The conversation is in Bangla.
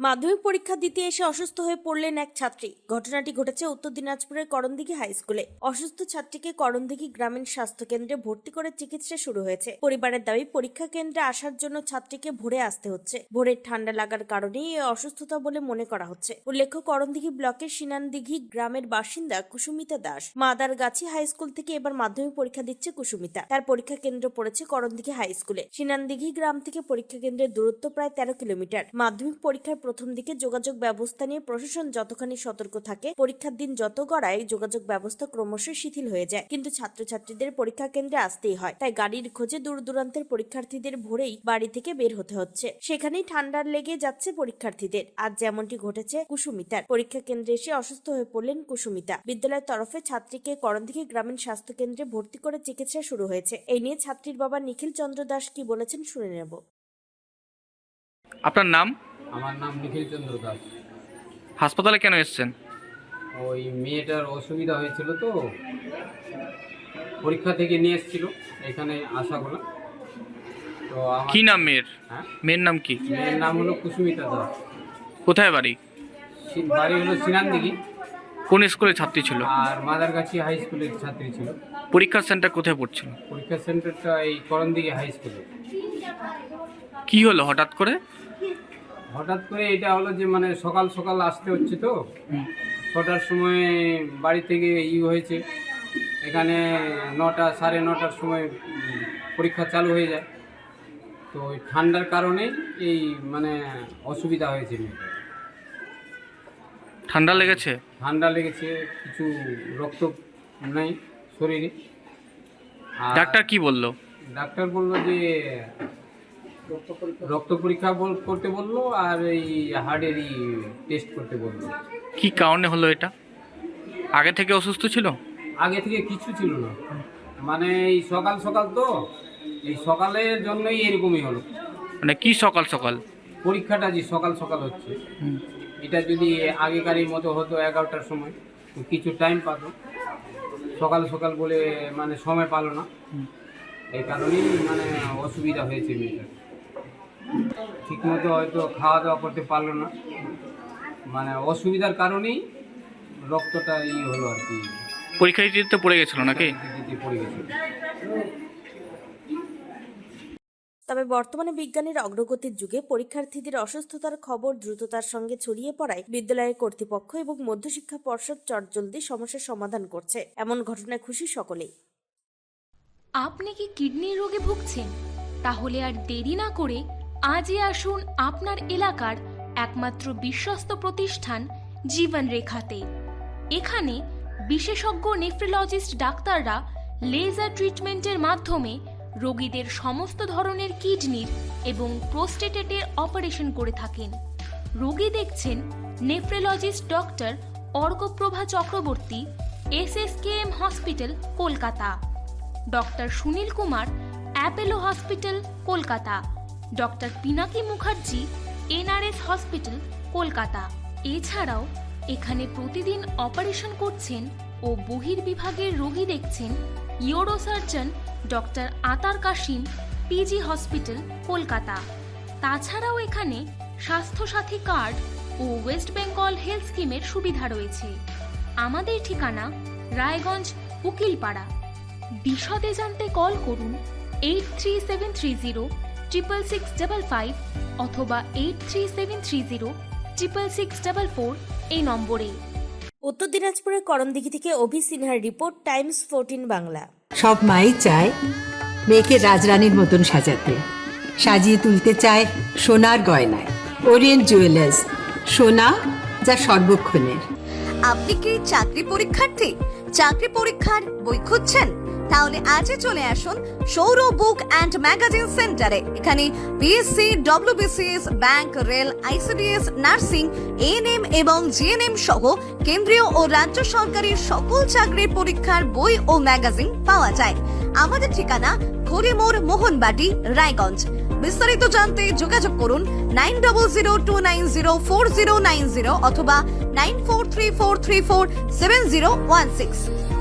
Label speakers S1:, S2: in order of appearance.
S1: মাধ্যমিক পরীক্ষা দিতে এসে অসুস্থ হয়ে পড়লেন এক ছাত্রী। ঘটনাটি ঘটেছে উত্তর দিনাজপুরের করণদিঘি হাই স্কুলে। অসুস্থ ছাত্রীকে করণদিঘি গ্রামীণ স্বাস্থ্য কেন্দ্রে ভর্তি করে চিকিৎসা শুরু হয়েছে। পরিবারের দাবি, পরীক্ষা কেন্দ্রে আসার জন্য ছাত্রীকে ভোরে আসতে হচ্ছে। ভোরের ঠান্ডা লাগার কারণেই এই অসুস্থতা বলে মনে করা হচ্ছে। উল্লেখ্য, করণদিঘি ব্লকের সিনানদিঘি গ্রামের বাসিন্দা কুসুমিতা দাস। মাদারগাছি হাই স্কুল থেকে এবার মাধ্যমিক পরীক্ষা দিচ্ছে কুসুমিতা। তার পরীক্ষা কেন্দ্র পড়েছে করণদিঘি হাই স্কুলে। সিনানদিঘি গ্রাম থেকে পরীক্ষা কেন্দ্রের দূরত্ব প্রায় 13 কিলোমিটার। মাধ্যমিক পরীক্ষার প্রথম দিকে যোগাযোগ ব্যবস্থা নিয়ে প্রশাসন যতখানি সতর্ক থাকে, পরীক্ষার দিন যত গড়ায় যোগাযোগ ব্যবস্থা ক্রমশ শিথিল হয়ে যায়। কিন্তু ছাত্রছাত্রীদের পরীক্ষা কেন্দ্রে আসতেই হয়, তাই গাড়ির খোঁজে দূর দূরান্তের পরীক্ষার্থীদের ভোরেই বাড়ি থেকে বের হতে হচ্ছে। সেখানেই ঠান্ডা লেগে যাচ্ছে পরীক্ষার্থীদের। আজ যেমনটি ঘটেছে কুসুমিতার। পরীক্ষা কেন্দ্রে এসে অসুস্থ হয়ে পড়লেন কুসুমিতা। বিদ্যালয়ের তরফে ছাত্রীকে করণদিঘি গ্রামীণ স্বাস্থ্য কেন্দ্রে ভর্তি করে চিকিৎসা শুরু হয়েছে। এই নিয়ে ছাত্রীর বাবা নিখিল চন্দ্র দাস কি বলেছেন শুনে নেব।
S2: আপনার নাম?
S3: আমার নাম নিখিল চন্দ্র দাস।
S2: হাসপাতালে কেন এসেছেন?
S3: ওই মেয়েটার অসুবিধা হয়েছিল তো, পরীক্ষা থেকে নিয়ে এসেছিল এখানে আশাগোলা। তো
S2: কি নাম মেয়ের? মেয়ের নাম কি?
S3: মেয়ের নাম হলো কুসুমিতা দাস।
S2: কোথায় বাড়ি?
S3: বাড়ি হলো সিনানদিঘি।
S2: কোন স্কুলের ছাত্রী ছিল?
S3: আর মাদারগাছি হাই স্কুলের ছাত্রী ছিল।
S2: পরীক্ষার সেন্টার কোথায় পড়ছিল?
S3: পরীক্ষা সেন্টারটা এই করণদিঘি হাই স্কুলে।
S2: কি হলো হঠাৎ করে?
S3: হঠাৎ করে এটা হলো যে মানে সকাল সকাল আসতে হচ্ছে তো, 6টার সময় বাড়ি থেকে হয়েছে। এখানে 9টা সাড়ে 9টার সময় পরীক্ষা চালু হয়ে যায়। তো ওই ঠান্ডার কারণে এই মানে অসুবিধা হয়েছে।
S2: ঠান্ডা লেগেছে?
S3: ঠান্ডা লেগেছে, কিছু রক্ত নেই শরীরে।
S2: ডাক্তার কি বললো?
S3: ডাক্তার বললো যে রক্ত পরীক্ষা করতে বললো, আর এই হার্টেরই টেস্ট করতে বললো।
S2: কি কারণে হলো এটা? আগে থেকে অসুস্থ ছিল?
S3: আগে থেকে কিছু ছিল না, মানে এই সকাল সকাল তো, এই সকালের জন্যই এরকমই হলো।
S2: মানে কি সকাল সকাল?
S3: পরীক্ষাটা যে সকাল সকাল হচ্ছে, এটা যদি আগেকারের মতো হতো 11টার সময়, কিছু টাইম পাত, সকাল সকাল বলে মানে সময় পালো না। এই কারণেই মানে অসুবিধা হয়েছে মেয়েটার। ঠিকমতো হয়তো খাওয়া দাওয়া করতে পারলো না, মানে অসুবিধার কারণেই রক্তটা হলো আর কি।
S2: পরীক্ষা দিতে পড়ে গেছিল নাকি?
S3: পড়ে গেছিল।
S1: তবে বর্তমানে বিজ্ঞানের অগ্রগতির যুগে পরীক্ষার্থীদের অসুস্থতার খবর দ্রুততার সঙ্গে ছড়িয়ে পড়ায় বিদ্যালয়ের কর্তৃপক্ষ এবং মধ্যশিক্ষা পর্ষদ চটজলদি সমস্যার সমাধান করছে। এমন ঘটনায় খুশি সকলেই।
S4: আপনি কি কিডনি রোগে ভুগছেন? তাহলে আর দেরি না করে আজই আসুন আপনার এলাকার একমাত্র বিশ্বস্ত প্রতিষ্ঠান জীবন রেখাতে। এখানে বিশেষজ্ঞ নেফ্রোলজিস্ট ডাক্তাররা লেজার ট্রিটমেন্টের মাধ্যমে রোগীদের সমস্ত ধরনের কিডনির এবং প্রোস্টেটের অপারেশন করে থাকেন। রোগী দেখছেন nephrologist doctor Arkaprabha Chakraborty, SSKM hospital, Kolkata. Doctor Sunil Kumar, Apollo hospital, Kolkata. Doctor Pinaki Mukherjee, NRS hospital, Kolkata. এছাড়াও এখানে প্রতিদিন অপারেশন করছেন ও বহির্বিভাগের রোগী দেখছেন ইউরোসার্জন ডক্টর আতার কাশিম, PG হসপিটাল, কলকাতা। তাছাড়াও এখানে স্বাস্থ্যসাথী কার্ড ও ওয়েস্ট বেঙ্গল হেলথ স্কিমের সুবিধা রয়েছে। আমাদের ঠিকানা রায়গঞ্জ, উকিলপাড়া। বিশদে জানতে কল করুন 8373066655 অথবা 8373066644 এই নম্বরে।
S1: উত্তর দিনাজপুরের করণদিঘি থেকে অভি সিনহার রিপোর্ট, টাইমস 14 বাংলা।
S5: সব মাই চায় মেয়েকে রাজরানীর মতন সাজাতে, সাজিয়ে তুলতে চায় সোনার গয়নায়। ওরিয়েন্ট জুয়েলার্স, সোনা যা সর্বক্ষণের।
S6: আপনি কি চাকরি পরীক্ষার্থী? চাকরি পরীক্ষার বই খুঁজছেন? তাহলে আজই চলে আসুন সৌর বুক অ্যান্ড ম্যাগাজিন সেন্টারে। এখানে BSc, WBCS, bank, rail, ICDS, nursing, ANM এবং GNM সহ কেন্দ্রীয় ও রাজ্য সরকারের সকল চাকরির পরীক্ষার বই ও ম্যাগাজিন পাওয়া যায়। আমাদের ঠিকানা খড়িমোড়, মোহনবাটি, রায়গঞ্জ। বিস্তারিত জানতে যোগাযোগ করুন 9002904090 অথবা 9434347016।